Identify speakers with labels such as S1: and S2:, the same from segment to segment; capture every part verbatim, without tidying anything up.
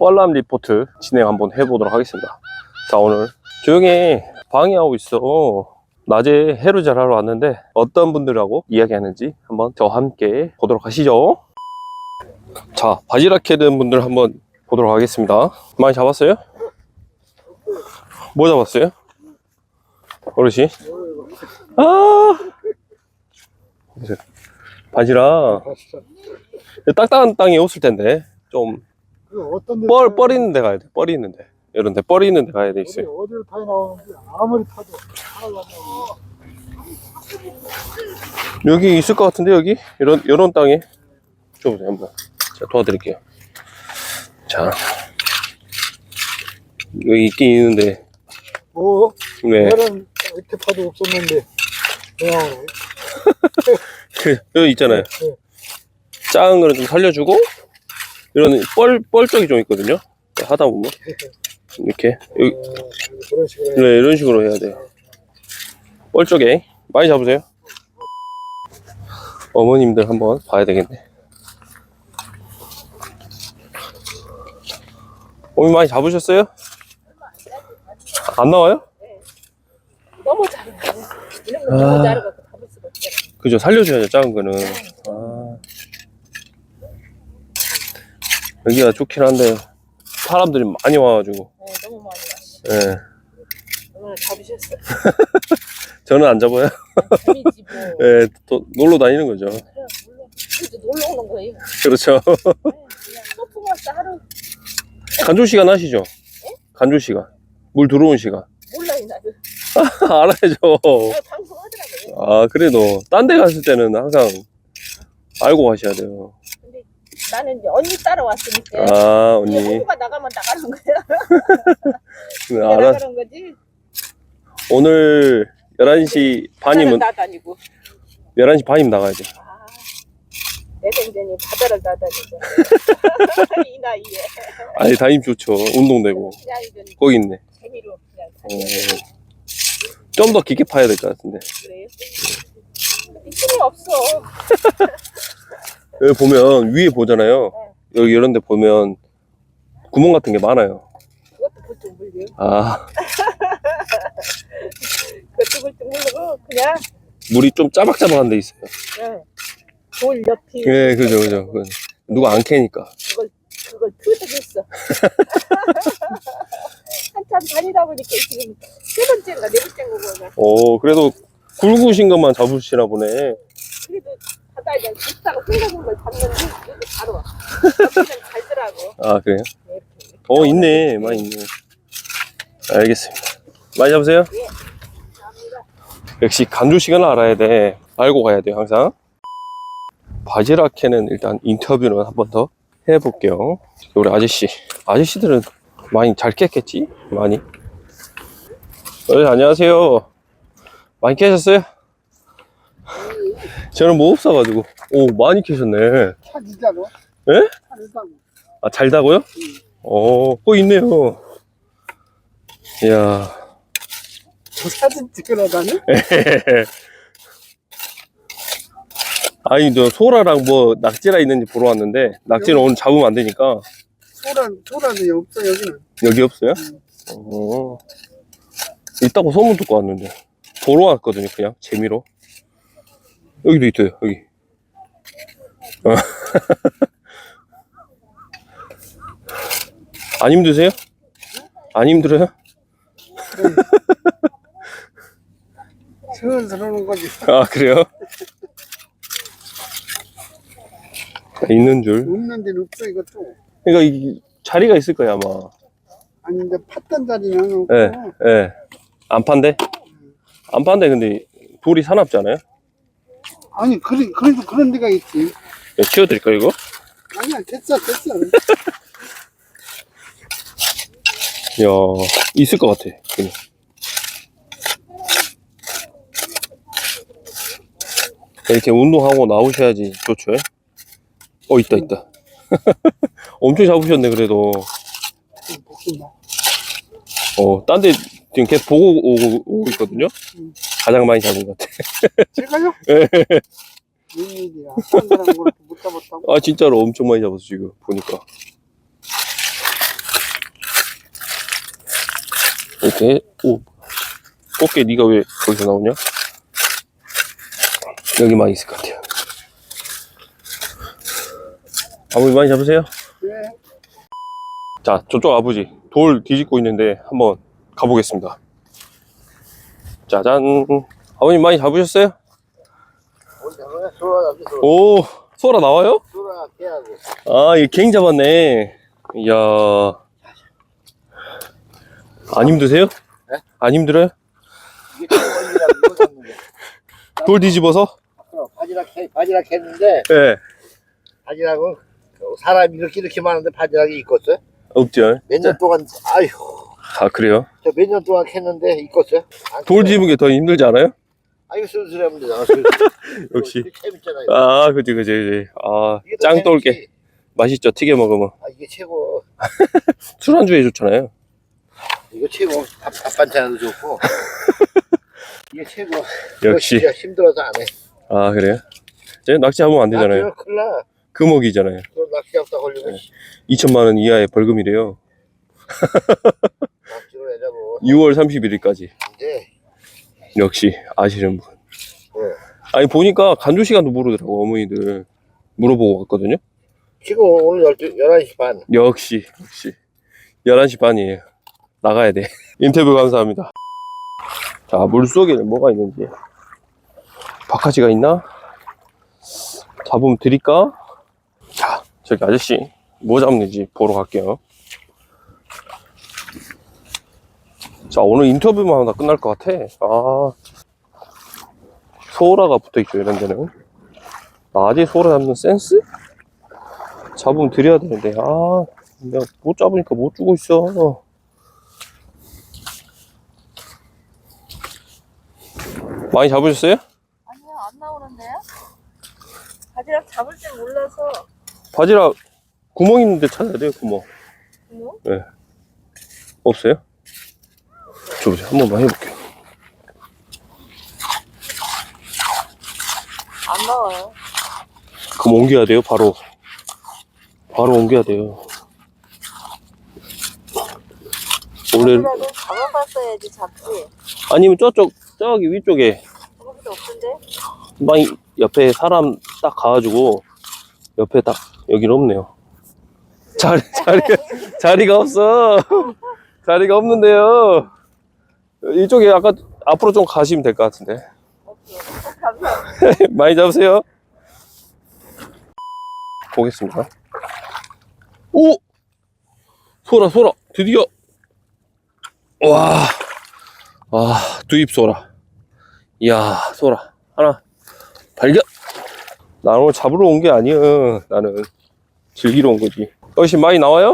S1: 뻘람 리포트 진행 한번 해보도록 하겠습니다. 자, 오늘 조용히 방해하고 있어. 낮에 해루질 하러 왔는데 어떤 분들하고 이야기하는지 한번 저와 함께 보도록 하시죠. 자, 바지락 캐는 분들 한번 보도록 하겠습니다. 많이 잡았어요? 뭐 잡았어요? 어르신? 아, 보세요. 바지락 딱딱한 땅에 없을 텐데 좀 뻘, 뻘 있는 데 가야 돼. 뻘이 있는 데. 이런 데 뻘이 있는 데 가야 돼 있어요.
S2: 어디를 타야 나오는지 아무리 타도 살아가면
S1: 여기 있을 것 같은데, 여기? 이런, 이런 땅에. 줘보세요, 한번. 제가 도와드릴게요. 자. 여기 있긴 있는데.
S2: 뭐
S1: 네.
S2: 이런 이렇게 파도 없었는데 그냥
S1: 그, 여기 있잖아요.
S2: 네.
S1: 작은 거는 좀 살려주고, 이런 뻘, 뻘 쪽이 좀 있거든요. 하다 보면. 이렇게. 여기,
S2: 어, 그런 식으로
S1: 네, 이런 식으로 해야 돼요. 뻘 쪽에. 많이 잡으세요. 어머님들 한번 봐야 되겠네. 어머니 많이 잡으셨어요? 안 나와요?
S3: 너무 작은 거. 이런 거
S1: 아.
S3: 너무 작아서 잡을 수가 없잖아.
S1: 그죠, 살려줘야죠, 작은 거는. 아. 여기가 좋긴 한데, 사람들이 많이 와가지고.
S3: 네, 너무 많이 왔어.
S1: 예.
S3: 오늘 잡으셨어요.
S1: 저는 안 잡아요.
S3: 재미지 뭐.
S1: 예, 또 놀러 다니는 거죠.
S3: 그래, 물론. 그래도 놀러 오는 거예요.
S1: 그렇죠.
S3: 네, 그냥 소풍 왔어 하루.
S1: 간조 시간 아시죠? 간조 시간. 물 들어온 시간.
S3: 몰라요 나도.
S1: 알아야죠.
S3: 네, 방송하더라고요.
S1: 아, 그래도, 딴 데 갔을 때는 항상 알고 가셔야 돼요.
S3: 근데 나는 이제 언니 따라왔으니까.
S1: 아,
S3: 언니.
S1: 언니.
S3: 홍보가 나가면 나가는 거야.
S1: 네,
S3: 그래,
S1: 알아.
S3: 나가는 거지.
S1: 오늘 열한 시 반이면,
S3: 나다니고.
S1: 열한 시 반이면 나가야 돼.
S3: 아, 내 생전이 바다를 나다니고. 이 나이에.
S1: 아니, 다니면 좋죠. 운동되고.
S3: 그냥 이건
S1: 거기 있네.
S3: 재미로 그냥
S1: 어,
S3: 다니는
S1: 좀 더 깊게 파야 될 것 같은데.
S3: 그래요. 힘이 없어.
S1: 여기 보면, 위에 보잖아요. 여기 이런 데 보면, 구멍 같은 게 많아요.
S3: 그것도 불뚝 물려.
S1: 아,
S3: 그것도 불뚝 물고 그냥
S1: 물이 좀 짜박짜박한 데 있어요.
S3: 응. 돌 옆이
S1: 예, 그죠, 그죠. 그건 누가 안 캐니까.
S3: 그걸 그걸 투득했어. 한참 다니다 보니까 지금 세 번째인가 네 번째인 거구나.
S1: 오, 그래도 굵으신 것만 잡으시나 보네.
S3: 그래도 바다에 그냥 비싸고 생각한 걸 잡는데 이렇게 바로 와. 잡기는 잘더라고.
S1: 아, 그래요?
S3: 네, 이렇게.
S1: 어, 있네. 많이 있네. 알겠습니다. 많이 잡으세요?
S3: 예. 감사합니다.
S1: 역시 간조 시간을 알아야 돼. 알고 가야 돼요, 항상. 바지락 캐는 일단 인터뷰는 한 번 더 해볼게요. 우리 아저씨. 아저씨들은 많이 잘 깼겠지? 많이. 어, 안녕하세요. 많이 캐셨어요? 저는 뭐 없어가지고. 오, 많이 캐셨네.
S2: 차 진짜로?
S1: 예?
S2: 차를 타고
S1: 아, 잘다고요? 어, 거 있네요. 이야.
S2: 사진 찍으러 다니?
S1: 아니, 저 소라랑 뭐 낙지라 있는지 보러 왔는데, 낙지는 오늘 잡으면 안 되니까.
S2: 소란 소란이 없어 여기는.
S1: 여기 없어요?
S2: 음.
S1: 어. 있다고 소문 듣고 왔는데. 보러 왔거든요, 그냥. 재미로. 여기도 있어요, 여기. 어. 안 힘드세요? 안 힘들어요?
S2: 슬슬 오는 거지.
S1: 아, 그래요? 있는 줄.
S2: 없는 데는 없어 이것도.
S1: 그러니까 이 자리가 있을 거야, 아마.
S2: 아니 근데 팠던 자리는 없고.
S1: 예, 예. 안 판대? 안 판대, 근데 돌이 사납지 않아요?
S2: 아니 그래, 그래도 그런 데가 있지.
S1: 예, 치워드릴까요, 이거?
S2: 아니야 됐어 됐어.
S1: 이야, 있을 것 같아. 그냥. 이렇게 운동하고 나오셔야지 좋죠. 어, 있다, 있다. 엄청 잡으셨네, 그래도.
S2: 복순다.
S1: 어, 딴 데 지금 계속 보고 오고, 오고 있거든요.
S2: 음.
S1: 가장 많이 잡은 것 같아.
S2: 제가요?
S1: 예.
S2: 웬일이야. 딴 사람 걸못 잡았다고?
S1: 아, 진짜로 엄청 많이 잡았어, 지금. 보니까. 이렇게. 오, 꽃게 네가 왜 거기서 나오냐? 여기만 있을 것 같아요. 아버지 많이 잡으세요?
S2: 네.
S1: 자, 저쪽 아버지 돌 뒤집고 있는데 한번 가보겠습니다. 짜잔. 아버님 많이 잡으셨어요?
S2: 소라 잡지, 소라.
S1: 오, 소라 나와요?
S2: 소라 깨하고.
S1: 아, 이게 갱 잡았네. 이야. 안 힘드세요?
S2: 네?
S1: 안 힘들어요?
S2: 이게 최고이라고 이거 잡는 거.
S1: 돌 뒤집어서?
S2: 어, 바지락 해, 바지락 했는데,
S1: 네.
S2: 바지락은 사람이 이렇게 이렇게 많은데 바지락이 있겠어요?
S1: 없죠.
S2: 몇 년 동안, 아휴,
S1: 아, 그래요?
S2: 저 몇 년 동안 했는데 있겠어요? 안
S1: 돌
S2: 했어요.
S1: 뒤집은 게 더 힘들지 않아요?
S2: 아, 이거 슬슬 하면 되잖아. 슬슬.
S1: 역시.
S2: 이거 재밌잖아요. 이거.
S1: 아, 그치, 그치, 그치. 아,
S2: 이게 더
S1: 짱 돌게.
S2: 재밌지.
S1: 맛있죠? 튀겨 먹으면.
S2: 아, 이게 최고.
S1: 술안주에 좋잖아요.
S2: 이거 최고. 밥, 밥 반찬도 좋고. 이게 최고.
S1: 역시.
S2: 이거 진짜 힘들어서 안 해.
S1: 아, 그래요? 제 낚시하면 안 되잖아요.
S2: 낚시는 큰일 나.
S1: 금옥이잖아요.
S2: 그 낚시 잡다 걸리면
S1: 이천만 원 이하의 벌금이래요.
S2: 낚시로 내자고.
S1: 유월 삼십일일까지.
S2: 이제,
S1: 역시 아시는 분.
S2: 네.
S1: 아니 보니까 간조 시간도 모르더라고 어머니들. 물어보고 갔거든요.
S2: 지금 오늘 열두, 열한 시 반.
S1: 역시 역시 열한 시 반이에요. 나가야 돼. 인터뷰 감사합니다. 자, 물속에는 뭐가 있는지. 바카지가 있나? 잡으면 드릴까? 자, 저기 아저씨 뭐 잡는지 보러 갈게요. 자, 오늘 인터뷰만 하다 끝날 것 같아. 아, 소라가 붙어있죠, 이런 데는. 낮에 소라 잡는 센스? 잡으면 드려야 되는데, 아, 내가 못 잡으니까 못 주고 있어. 많이 잡으셨어요?
S3: 아니요, 안 나오는데요? 바지락 잡을 줄 몰라서.
S1: 바지락 구멍 있는데 찾아야 돼요, 구멍.
S3: 뭐?
S1: 네. 없어요? 줘보세요. 한 번만 해볼게요.
S3: 안 나와요.
S1: 그럼 옮겨야 돼요, 바로. 바로 옮겨야 돼요. 원래,
S3: 바지락은 잡아봤어야지 잡지.
S1: 아니면 저쪽, 저기 위쪽에,
S3: 거기도 없던데?
S1: 많이, 옆에 사람 딱 가가지고, 옆에 딱, 여기는 없네요. 자리, 자리가, 자리가 없어. 자리가 없는데요. 이쪽에 아까, 앞으로 좀 가시면 될 것 같은데.
S3: 오케이. 감사합니다.
S1: 많이 잡으세요. 보겠습니다. 오! 소라, 소라, 드디어! 와, 와, 두입 소라. 이야, 소라. 하나, 발견! 나 오늘 잡으러 온 게 아니야. 나는 즐기러 온 거지. 어르신 많이 나와요?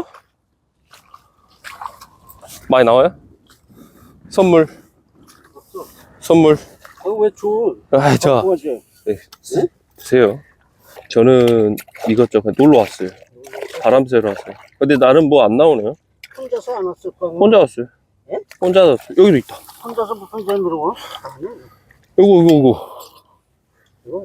S1: 많이 나와요? 선물. 선물.
S2: 어, 왜 줘?
S1: 아, 저. 네, 쓰- 드세요. 저는 이것저것 놀러 왔어요. 바람 쐬러 왔어요. 근데 나는 뭐 안 나오네요.
S2: 혼자서 안 왔을 거야.
S1: 혼자 왔어요.
S2: 예?
S1: 혼자 왔어요. 여기도 있다.
S2: 혼자서 무슨 재미로 와?
S1: 요거, 요거, 요거.
S2: 이거,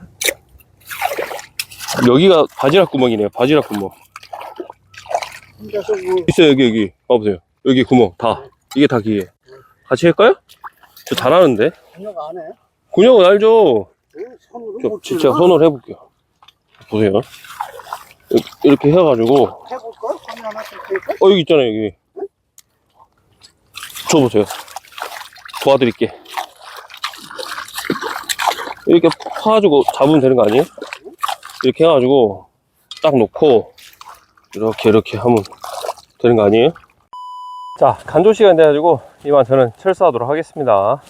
S1: 여기가 바지락 구멍이네요. 바지락 구멍.
S2: 혼자서 뭐.
S1: 있어요, 여기, 여기. 봐보세요. 여기 구멍. 다. 이게 다 기계. 같이 할까요? 저 잘하는데.
S2: 생각 안 해?
S1: 군형은 알죠?
S2: 응, 손으로
S1: 저
S2: 못
S1: 진짜
S2: 찔러?
S1: 손으로 해볼게요. 보세요. 이- 이렇게 해가지고.
S2: 해볼까? 손이 하나 쓸까?
S1: 어, 여기 있잖아요, 여기. 줘보세요. 도와드릴게. 이렇게 파가지고 잡으면 되는 거 아니에요? 이렇게 해가지고 딱 놓고 이렇게 이렇게 하면 되는 거 아니에요? 자, 간조 시간 돼가지고 이만 저는 철수하도록 하겠습니다.